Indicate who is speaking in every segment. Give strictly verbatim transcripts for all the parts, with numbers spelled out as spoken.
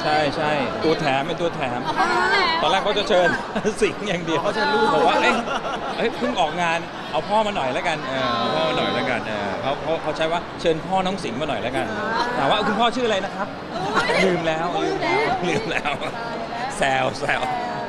Speaker 1: ใช่ใช่ตัวแถมเป็นตัวแถมตอนแรกเขาจะเชิญสิงห์อย่างเดียวเขาเชิญลูกบอกว่าเอ้ยเอ้ยเพิ่งออกงานเอาพ่อมาหน่อยแล้วกันเออเอาพ่อมาหน่อยแล้วกันเออเขาเขาเขาใช้ว่าเชิญพ่อน้องสิงห์มาหน่อยแล้วกันถามว่าคุณพ่อชื่ออะไรนะครับลืมแล้วลืมแล้วลืมแล้วแซวแซว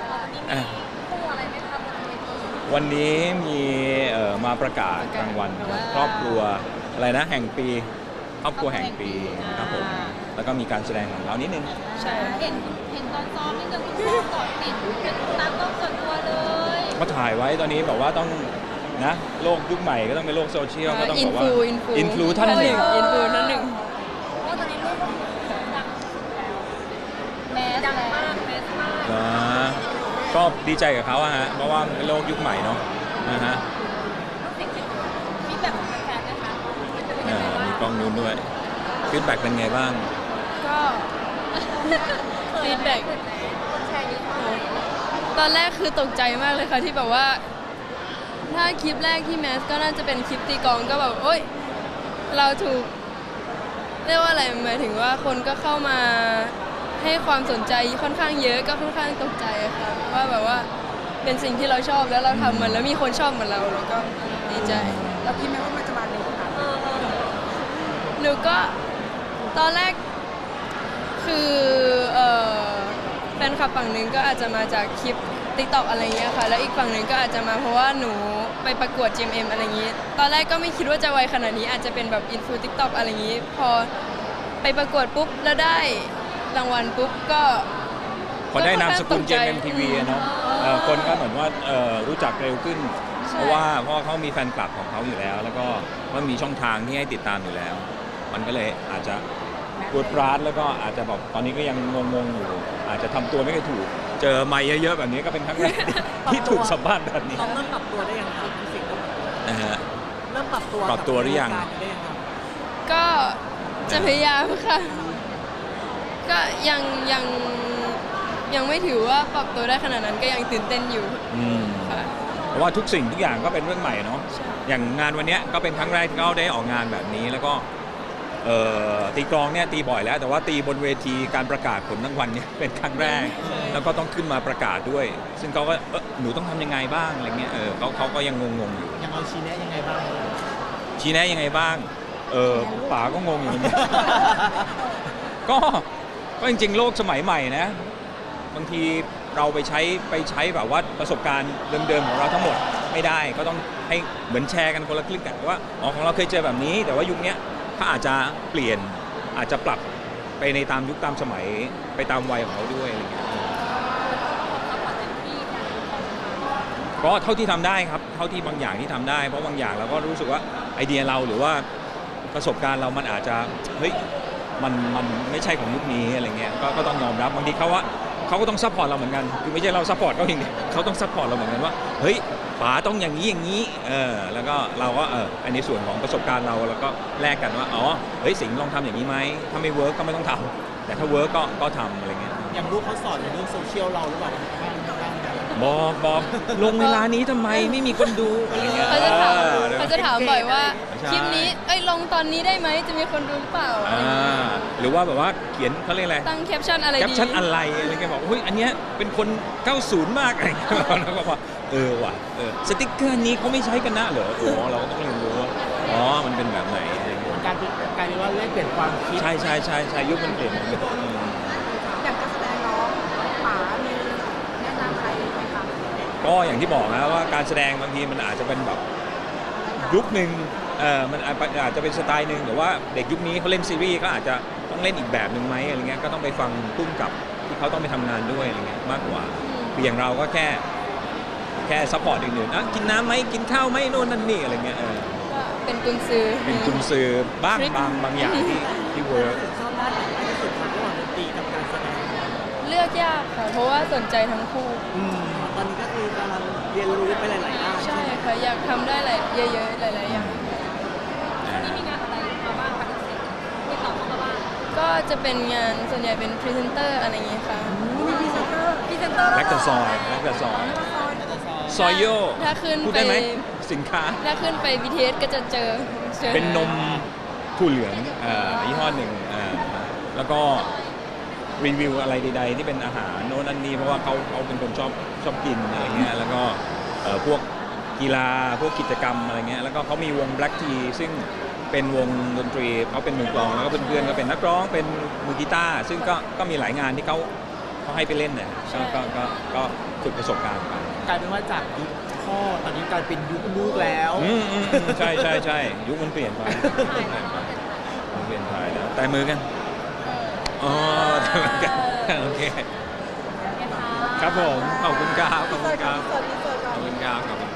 Speaker 1: วันนี้มีเอ่อมาประกาศรางวัลครอบครัวอะไรนะแห่งปีครอบครัวแห่งปีครับผมแล้วก็มีการแสดงของเรานิดนึง
Speaker 2: ใช่เห็นเห็นตอนซ้อมนี่คือคุณพ่อก่อนติดเป็นตามต้องส่วนตัวเลย
Speaker 1: ก็ถ่ายไว้ตอนนี้แบบว่าต้องนะโลกยุคใหม่ก็ต้องเป็นโลกโซเชียลก็ต้องบอกว่าอินฟลูท่านหนึ่ง
Speaker 2: อินฟลูท่านหนึ่งเพราะตอนนี้ลูกก็ดังแมสดังมากแมสมาก
Speaker 1: นะก็ดีใจกับเขาอะฮะเพราะว่าเป็นโลกยุคใหม่เนาะนะฮะ
Speaker 2: ฟีดแบ็กของแฟนๆนะคะ
Speaker 1: มีกล้องนู้นด้วยฟีดแบ็กเป็นไงบ้าง
Speaker 3: ก็ฟีดแบ็กตอนแรกคือตกใจมากเลยค่ะที่แบบว่าถ้าคลิปแรกที่แมสก็น่าจะเป็นคลิปตีกลองก็แบบโอ๊ยเราถูกเรียกว่าอะไรหมายถึงว่าคนก็เข้ามาให้ความสนใจค่อนข้างเยอะก็ค่อนข้างตกใจค่ะว่าแบบว่าเป็นสิ่งที่เราชอบแล้วเราทำมันแล้วมีคนชอบเหมือนเราแล้วก็ดีใจ
Speaker 2: เราคิดไหมว่ามันจะมาเร็วขนาดนี้
Speaker 3: หนูก็ตอนแรกคือเอ่อแฟนคลับฝั่งหนึ่งก็อาจจะมาจากคลิป ติ๊กต็อก อะไรเงี้ยค่ะแล้วอีกฝั่งหนึ่งก็อาจจะมาเพราะว่าหนูไปประกวด จี เอ็ม เอ็ม อะไรอย่างงี้ตอนแรกก็ไม่คิดว่าจะไวขนาดนี้อาจจะเป็นแบบอินฟู ติ๊กต็อก อะไรอย่างงี้พอไปประกวดปุ๊บแล้วได้รางวัลปุ๊บก็
Speaker 1: พอได้นามสกุล จี เอ็ม เอ็ม ที วี เนาะคนก็เหมือนว่ารู้จักเร็วขึ้นเพราะว่าเพราะเขามีแฟนคลับของเขาอยู่แล้วแล้วก็มันมีช่องทางที่ให้ติดตามอยู่แล้วมันก็เลยอาจจะปวดปร้านแล้วก็อาจจะแบบตอนนี้ก็ยังงงๆอยู่อาจจะทำตัวไม่ค่อยถูกเจอไมค์เยอะๆแบบนี้ก็เป็นครั้งแรกที่ถูกสัมภาษณ์แบบนี้
Speaker 2: เริ่มปรับตัวได้ยังครับพี่สิงห์
Speaker 1: นะฮะ
Speaker 2: เริ่มปรับตัว
Speaker 1: ปรับตัวหรือยัง
Speaker 3: ก็จะพยายามค่ะก็ยังยังยังไม่ถือว่าปรับตัวได้ขนาดนั้นก็ยังตื่นเต้นอยู่ค่ะ
Speaker 1: เพราะว่าทุกสิ่งทุกอย่างก็เป็นเรื่องใหม่เนาะอย่างงานวันนี้ก็เป็นครั้งแรกที่เขาได้ออกงานแบบนี้แล้วก็ตีกลองเนี่ยตีบ่อยแล้วแต่ว่าตีบนเวทีการประกาศผลรางวัลเนี่ยเป็นครั้งแรกแล้วก็ต้องขึ้นมาประกาศด้วยซึ่งเขาก็เออหนูต้องทำยังไงบ้างอะไรเงี้ยเออเขาเขาก็ยังงงๆอยู่
Speaker 2: ยังเอาชี้แนะยังไงบ้าง
Speaker 1: ชี้แนะยังไงบ้างเออป๋าก็งงอยู่เนี่ยก็ก็จริงๆโลกสมัยใหม่นะบางทีเราไปใช้ไปใช้แบบว่าประสบการณ์เดิมๆของเราทั้งหมดไม่ได้ก็ต้องให้เหมือนแชร์กันคนละครึ่งกันว่าอ๋อของเราเคยเจอแบบนี้แต่ว่ายุคนี้ถ้าอาจจะเปลี่ยนอาจจะปรับไปในตามยุคตามสมัยไปตามวัยของเขาด้วยอะไรเงี้ยก็เท่าที่ทำได้ครับเท่าที่บางอย่างที่ทำได้เพราะบางอย่างเราก็รู้สึกว่าไอเดียเราหรือว่าประสบการณ์เรามันอาจจะเฮ้ยมันมันไม่ใช่ของยุคนี้อะไรเงี้ยก็ก็ต้องยอมรับบางทีเขาว่าเขาก็ต้องซัพพอร์ตเราเหมือนกันคือไม่ใช่เราซัพพอร์ตเขาเองเนี่ยเขาต้องซัพพอร์ตเราเหมือนกันว่าเฮ้ยป๋าต้องอย่างนี้อย่างนี้เออแล้วก็เราก็เอออันนี้ส่วนของประสบการณ์เราแล้วก็แลกกันว่าอ๋อเฮ้ยสิงห์ลองทำอย่างนี้ไหมถ้าไม่เวิร์กก็ไม่ต้องทำแต่ถ้าเวิร์กก็ก็ทำอะไรเงี้ย
Speaker 2: อย่างลูกเขาสอนในเรื่องโซเชียลเราหรือเปล่า
Speaker 1: บอกบอกลงเวลานี้ทำไมไม่มีคนดูอะไรเงี้ย
Speaker 3: เขาจะถามเขาจะถามบ่อยว่าคลิปนี้เอ้ยลงตอนนี้ได้ไหมจะมีคนดูหรือเปล่า
Speaker 1: หรือว่าแบบว่าเขียนเขาเรียกอะไร
Speaker 3: ตั้งแคปชั่นอะไรดี
Speaker 1: แคปชั่นอะไรอะไรเงี้ยบอกเฮ้ยอันเนี้ยเป็นคนเก้าสิบมากอะไรเงี้ยแล้วก็บอกเออว่ะเออสติ๊กเกอร์นี้เขาไม่ใช้กันนะเหรออ๋อเราก็ต้องเรียนรู้ว่าอ๋อมันเป็นแบบไหนอะไรเงี้ย
Speaker 2: การการเรียกว่าเล่นเปลี่ยนความคิด
Speaker 1: ใช่ใช่ใช่ใช่ยุคมันเปลี่ยน
Speaker 2: อย่างการแสดงน้องป๋ามีแนะนำใครไหมคะ
Speaker 1: ก็อย่างที่บอกนะว่าการแสดงบางทีมันอาจจะเป็นแบบยุคหนึ่งเออมันอาจจะเป็นสไตล์หนึ่งหรือว่าเด็กยุคนี้เขาเล่นซีรีส์ก็อาจจะต้องเล่นอีกแบบหนึ่งไหมอะไรเงี้ยก็ต้องไปฟังพุ่มกับที่เขาต้องไปทำงานด้วยอะไรเงี้ยมากกว่าอย่างเราก็แค่แค่ซัพพอร์ตอื่นๆอ่ะกินน้ำไหมกินข้าวไหมโน่นนั่นนี่อะไรเงี้ยเออ
Speaker 3: เป็นกุญซือ
Speaker 1: เป็นกุญซือบ้างบางบางอย่างที่ที่เวิร์ก
Speaker 2: ชอบด้านไหนที่สุดคะระหว่างดนตรีกับการแสดง
Speaker 3: เลือกยากค่ะเพราะว่าสนใจทั้งคู่
Speaker 2: ตอนนี้ก็คือกำลังเรียนรู้ไปหลายๆด้าน
Speaker 3: ใช่ค่ะอยากทำได้หลายเยอะๆหลายๆอย่าง
Speaker 2: นี่มีงานอะไรมาบ้างคะที่ต่อมาบ้าง
Speaker 3: ก็จะเป็นงานส่วนใหญ่เป็นพรีเซนเตอร์อะไรอย่างเงี้ยค่ะ
Speaker 2: มีพรีเซนเตอร์พรีเซนเตอร์
Speaker 1: แลกตะซอยแลกตะซอยซอยโย่
Speaker 3: ถ้าขึ้น
Speaker 1: ไปสินค้า
Speaker 3: ถ้าขึ้นไป บี ที เอส ก็จะเจอ
Speaker 1: เป็นนมถั่วเหลืองยี่ห้อหนึ่งแล้วก็รีวิวอะไรใดๆที่เป็นอาหารโน่นนั่นนี่เพราะว่าเขาเขาเป็นคนชอบชอบกินอะไรเงี้ยแล้วก็เอ่อพวกกีฬาพวกกิจกรรมอะไรเงี้ยแล้วก็เขามีวง Black Tea ซึ่งเป็นวงดนตรีเขาเป็นมือกลองแล้วก็เพื่อนๆก็เป็นนักร้องเป็นมือกีตาร์ซึ่งก็ก็มีหลายงานที่เขาเขาให้ไปเล่นเนี่ยก็ก็ก็ก็ฝึกประสบการณ์ไป
Speaker 4: กลายเป็นว่าจากยุคพ่อตอนนี้กลายเป็นยุคลูกแล้ว
Speaker 1: อืมอืมอืมใช่ใช่ใช่ยุคมันเปลี่ยนไปมันเปลี่ยนไปแล้วแต่มือกันอ๋อแต่มือกันโอเค
Speaker 2: โอเคค่ะ
Speaker 1: ครับผมขอบคุณครับขอบคุณครับ
Speaker 2: สวัสดีสวัสดี
Speaker 1: ขอบคุณครับขอบคุณ